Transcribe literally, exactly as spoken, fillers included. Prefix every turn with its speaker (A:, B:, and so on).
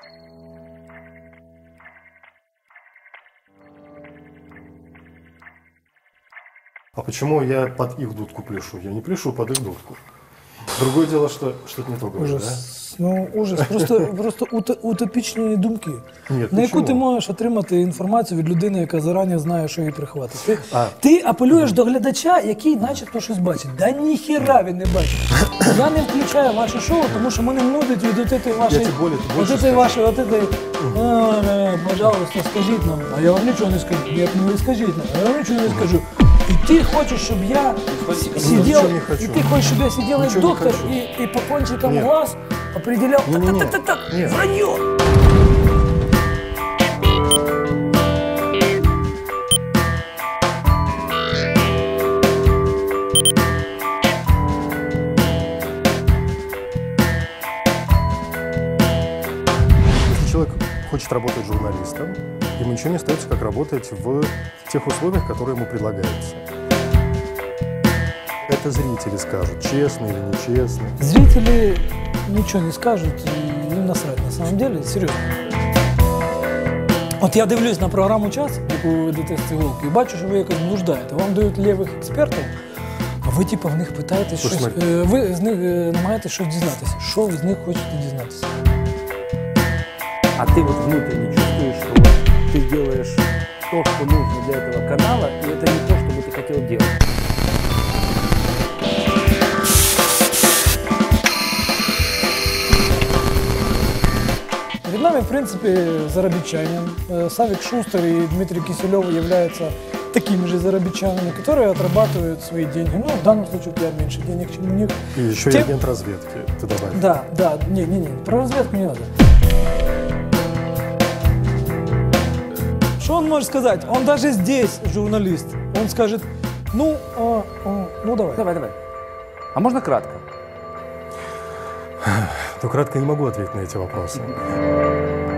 A: А почему я под их дудку пляшу? Я не пляшу под их дудку. Другое дело, що щось не то говориш,
B: ужас.
A: Да?
B: Ну, ужас. Просто, просто утопічні думки.
A: Ні,
B: на яку
A: чому?
B: ти можеш отримати інформацію від людини, яка зарані знає, що її прихватить. Ти,
A: А.
B: ти апелюєш до глядача, який начебто щось бачить. Да ніхіра він не бачить. Я не включаю ваше шоу, тому що мене нудить від от цієї вашої... От цієї вашої, от цієї... Пожалуйста, скажіть нам. А я вам нічого не скажу. Ні, не скажіть нам. А я вам нічого не скажу. И ты хочешь, чтобы я сидел, и ты хочешь, чтобы я сидел как доктор и, и по кончикам
A: Нет.
B: глаз определял, так-так-так-так, вранье.
A: Если человек хочет работать журналистом, ему ничего не остается, как работать в тех условиях, которые ему предлагаются. Это зрители скажут, честно или нечестно.
B: Зрители ничего не скажут, и им насрать, на самом деле, серьезно. От я дивлюсь на програму «Час», яку ви ведете з «Цивілки», і бачу, що ви якось блуждаєте. Вам дають лівих експертів, а ви типу в них питаєте щось,
A: Слушай,
B: ви з них намагаєтесь щось дізнатися. Що ви з них хочете дізнатися?
C: А ты вот внутренне чувствуешь, что вот ты делаешь то, что нужно для этого канала, и это не то, что бы ты хотел делать.
B: Перед нами, в принципе, заробітчане. Савик Шустер и Дмитрий Киселев являются такими же заробітчанами, которые отрабатывают свои деньги. Ну, в данном случае у тебя меньше денег, чем у них.
A: И еще
B: Тем...
A: и агент разведки, ты добавил.
B: Да, да, не-не-не, про разведку не надо. Что он может сказать? Он даже здесь журналист. Он скажет, ну, а, а, ну давай.
C: Давай, давай. А можно кратко?
A: Ну, кратко не могу ответить на эти вопросы.